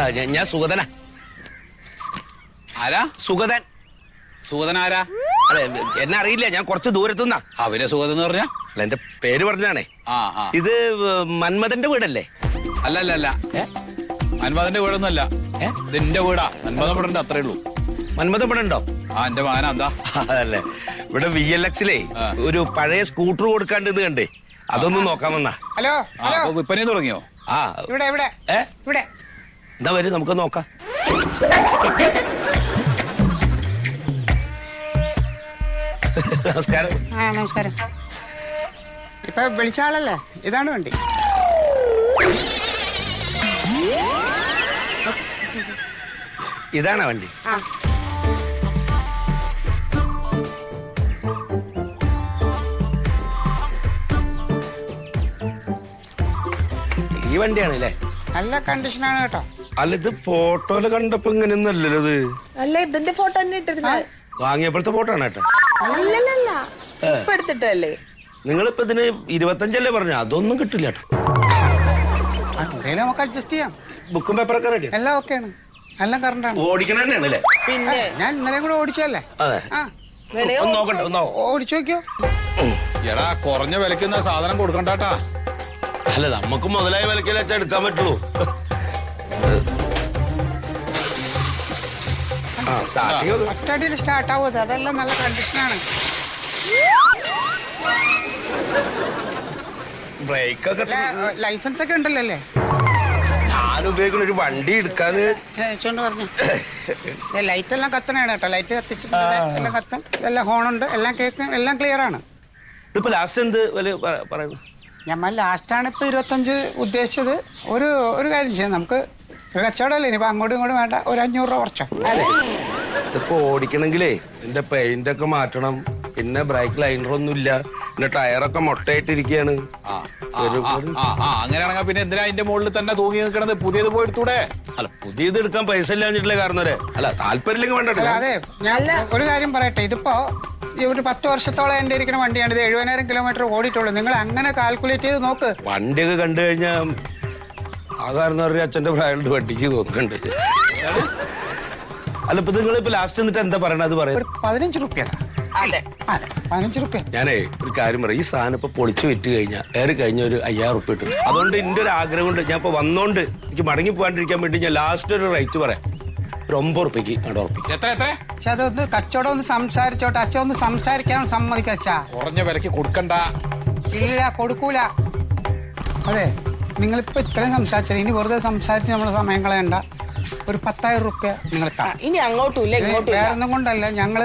ഞാൻ സുഗതനാ. ആരാ? സുഗതൻ. സുഗതൻ ആരാ? അതെ, എന്നെ അറിയില്ല, ഞാൻ കുറച്ച് ദൂരത്തുനിന്നാ. അവരെ സുഗതൻ എന്ന് പറഞ്ഞ? അല്ല, എന്റെ പേര് പറഞ്ഞാണേ. ആ. ഇത് മന്മഥന്റെ വീടല്ലേ? അല്ല. മന്മഥന്റെ വീടൊന്നുമല്ല, ഇത് എന്റെ വീടാ. മന്മഥൻ വീടുണ്ട്, അത്രേ ഉള്ളൂ. മന്മഥൻ ഇവിടെ ഉണ്ടോ? ആ, എന്റെ മകനാ. എന്താ? അതല്ലേ, ഇവിടെ VLX-ലേ ഒരു പഴയ സ്കൂട്ടർ കൊടുക്കാണ്ട് ഇത് കണ്ടേ, അതൊന്നും നോക്കാൻ വന്നാ. ഹലോ വിൽപ്പന തുടങ്ങിയോ? ആ, ഇവിടെ എന്താ വരും, നമുക്ക് നോക്കാം. നമസ്കാരം. നമസ്കാരം. ഇപ്പൊ വിളിച്ച ആളല്ലേ? ഇതാണ് വണ്ടി. ഇതാണോ വണ്ടി? ഈ വണ്ടിയാണ് അല്ലേ? നല്ല കണ്ടീഷനാണ് കേട്ടോ. അല്ല, ഇത് ഫോട്ടോയില് കണ്ടപ്പോ ഇങ്ങനെയൊന്നല്ലല്ലോ ഇത്. അല്ല, ഇതിന്റെ ഫോട്ടോ തന്നെ ഇട്ടിരുന്നത്. വാങ്ങിയപ്പോഴത്തെ ഫോട്ടോ ആണ് കേട്ടോ. അല്ലല്ല, ഇപ്പൊ എടുത്തിട്ടല്ലേ? നിങ്ങളിപ്പോ ഇതിന് 25 പറഞ്ഞു, അതൊന്നും കിട്ടില്ല കേട്ടോ. എന്തേലും നമുക്ക് അഡ്ജസ്റ്റ് ചെയ്യാം. ബുക്കും പേപ്പറൊക്കെ റെഡി? എല്ലാം ഓക്കെയാണ്, എല്ലാം കറണ്ടാണ്. ഓടിക്കണ തന്നെയാണ് അല്ലേ? പിന്നെ ഞാൻ ഇന്നലെ കൂടെ ഓടിച്ചല്ലേ. അതെ. ഒന്ന് നോക്കട്ടെ, ഓടിച്ചു നോക്കിയോ. എടാ, കുറഞ്ഞ വിലക്കുന്ന സാധനം കൊടുക്കണ്ടാട്ടാ. അല്ല, നമുക്ക് മുതലായ വിലക്കൽ വെച്ചാൽ എടുക്കാൻ പറ്റുള്ളൂ. ഒറ്റയടിയിൽ സ്റ്റാർട്ട് ആവും. അതെല്ലാം നല്ല കണ്ടീഷനാണ്. ബ്രേക്കൊക്കെ ലൈസൻസ് ഒക്കെ ഉണ്ടല്ലോ അല്ലേ? ഞാൻ ഉപയോഗിക്കുന്ന ഒരു വണ്ടി എടുക്കാന്ന് പറഞ്ഞു. ലൈറ്റ് എല്ലാം കത്തണാണ് കേട്ടോ. ലൈറ്റ് കത്തിച്ചിട്ടുണ്ട്, എല്ലാം കത്തും, എല്ലാം ഹോണുണ്ട്, എല്ലാം കേൾക്കും, എല്ലാം ക്ലിയർ ആണ്. ഇതിപ്പോ ലാസ്റ്റ് എന്ത് വില പറയുന്നു? ഞമ്മൾ ലാസ്റ്റാണ് ഇപ്പൊ 25 ഉദ്ദേശിച്ചത്. ഒരു കാര്യം ചെയ്യാം, നമുക്ക് ഒരു കച്ചവടമല്ലേ, ഇനിയിപ്പോ അങ്ങോട്ടും ഇങ്ങോട്ടും വേണ്ട, ഒരു 500 രൂപ കുറച്ചോ. ഇതിപ്പോ ഓടിക്കണെങ്കിലേ ഇതിന്റെ പെയിന്റ് ഒക്കെ മാറ്റണം, പിന്നെ ബ്രേക്ക് ലൈനറൊന്നും ഇല്ല, പിന്നെ ടയറൊക്കെ മൊട്ടയായിട്ടിരിക്കുകയാണ്. അങ്ങനെയാണെങ്കിൽ പിന്നെ എന്തിനാ അതിന്റെ മുകളിൽ തന്നെ തൂങ്ങി നിൽക്കണത്? പുതിയത് പോയി എടുത്തൂടെ? അല്ല, പുതിയത് എടുക്കാൻ പൈസ ഇല്ലാഞ്ഞിട്ടില്ലേ കാരണം വരെ. അല്ല, താല്പര്യം വേണ്ട. അതെ, ഞാൻ ഒരു കാര്യം പറയട്ടെ. ഇതിപ്പോ ഒരു 10 വർഷത്തോളം എന്റെ ഇരിക്കുന്ന വണ്ടിയാണ്. ഇത് 70,000 കിലോമീറ്റർ ഓടിയിട്ടുള്ളൂ. നിങ്ങൾ അങ്ങനെ കാൽക്കുലേറ്റ് ചെയ്ത് നോക്ക്. വണ്ടിയൊക്കെ കണ്ടു കഴിഞ്ഞാൽ ആ കാരണം ഒരു അച്ഛന്റെ പ്രായമുണ്ട് വണ്ടിക്ക് തോന്നുന്നുണ്ട്. അല്ല, ഇപ്പൊ നിങ്ങളിപ്പോ ലാസ്റ്റ് എന്നിട്ട് എന്താ പറയണത്? പറയാം, 15 റുപ്യ. അതെ, 15 റുപ്യ. ഞാനേ ഒരു കാര്യം പറയാം, ഈ സാധനം ഇപ്പൊ പൊളിച്ചു വിറ്റ് കഴിഞ്ഞാൽ കഴിഞ്ഞ ഒരു 5,000 റുപ്യ കിട്ടും. അതുകൊണ്ട് എന്റെ ഒരു ആഗ്രഹം കൊണ്ട് ഞാൻ ഇപ്പൊ വന്നോണ്ട് എനിക്ക് മടങ്ങി പോകാണ്ടിരിക്കാൻ വേണ്ടി ഞാൻ ലാസ്റ്റ് ഒരു റേറ്റ് പറയാം, ഒരു 9 റുപ്യക്ക് അവിടെ ഉറപ്പിക്കും. എത്ര? പക്ഷെ അതൊന്ന് കച്ചവടം ഒന്ന് സംസാരിച്ചോട്ടെ. അച്ഛൻ ഒന്ന് സംസാരിക്കാൻ സമ്മതിക്കച്ചാ. കുറഞ്ഞ വിലക്ക് കൊടുക്കണ്ട. ഇല്ല, കൊടുക്കൂല. അതെ, നിങ്ങളിപ്പോ ഇത്രയും സംസാരിച്ചത്, ഇനി വെറുതെ സംസാരിച്ച് നമ്മളെ സമയം കളയണ്ട. ഒരു 10,000 റുപ്യ നിങ്ങൾ ഇനി അങ്ങോട്ടും ഇല്ല ഇങ്ങോട്ടും വേറെ ഒന്നും കൊണ്ടല്ല. ഞങ്ങള്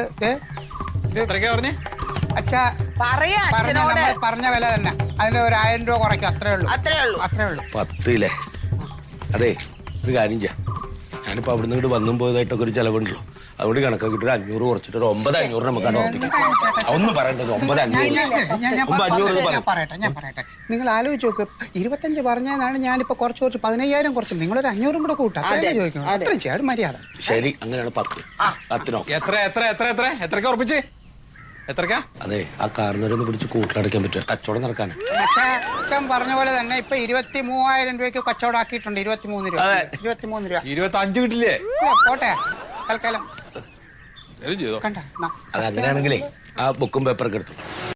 അച്ഛാ പറഞ്ഞ വില തന്നെ, അതിന് ഒരു 1000 രൂപ കുറയ്ക്കും. അത്രേ ഉള്ളൂ. 10 അതെ, ഒരു കാര്യം ചെയ്യാം, ഞാനിപ്പോ അവിടുന്ന് ഇങ്ങോട്ട് വന്നും പോയതായിട്ടൊക്കെ ഒരു ചെലവുണ്ടല്ലോ, അതുകൊണ്ട് കണക്കാക്കിട്ട് 500 കുറച്ചിട്ട് ഒരു 9,500 നമുക്ക് ഉറപ്പിക്കാം. ഒന്നും പറയണ്ടത് 9,500. ഞാൻ പറയട്ടെ, നിങ്ങൾ ആലോചിച്ച് നോക്ക്. 25 പറഞ്ഞതാണ്, ഞാനിപ്പോ കുറച്ച് 15,000 കുറച്ചു. നിങ്ങളൊരു 500 കൂടെ കൂട്ടാം. ചോദിക്കണം, അത്രയും ചെയ്യാൻ മര്യാദ. ശരി, അങ്ങനെയാണ് 10. എത്രക്കാ ഉറപ്പിച്ച്? എത്രക്കാ? അതെ, ആ കാരണവരൊന്ന് പിടിച്ച് കൂട്ടിലടയ്ക്കാൻ പറ്റുമോ? കച്ചവടം നടക്കാൻ. അച്ഛൻ പറഞ്ഞ പോലെ തന്നെ ഇപ്പൊ 23,000 രൂപയ്ക്ക് കച്ചവടം ആക്കിയിട്ടുണ്ട്. 23 രൂപ. 25 കിട്ടില്ലേ? പോട്ടെ, തൽക്കാലം. അത് അങ്ങനെയാണെങ്കിലേ ആ ബുക്കും പേപ്പറൊക്കെ എടുത്തു.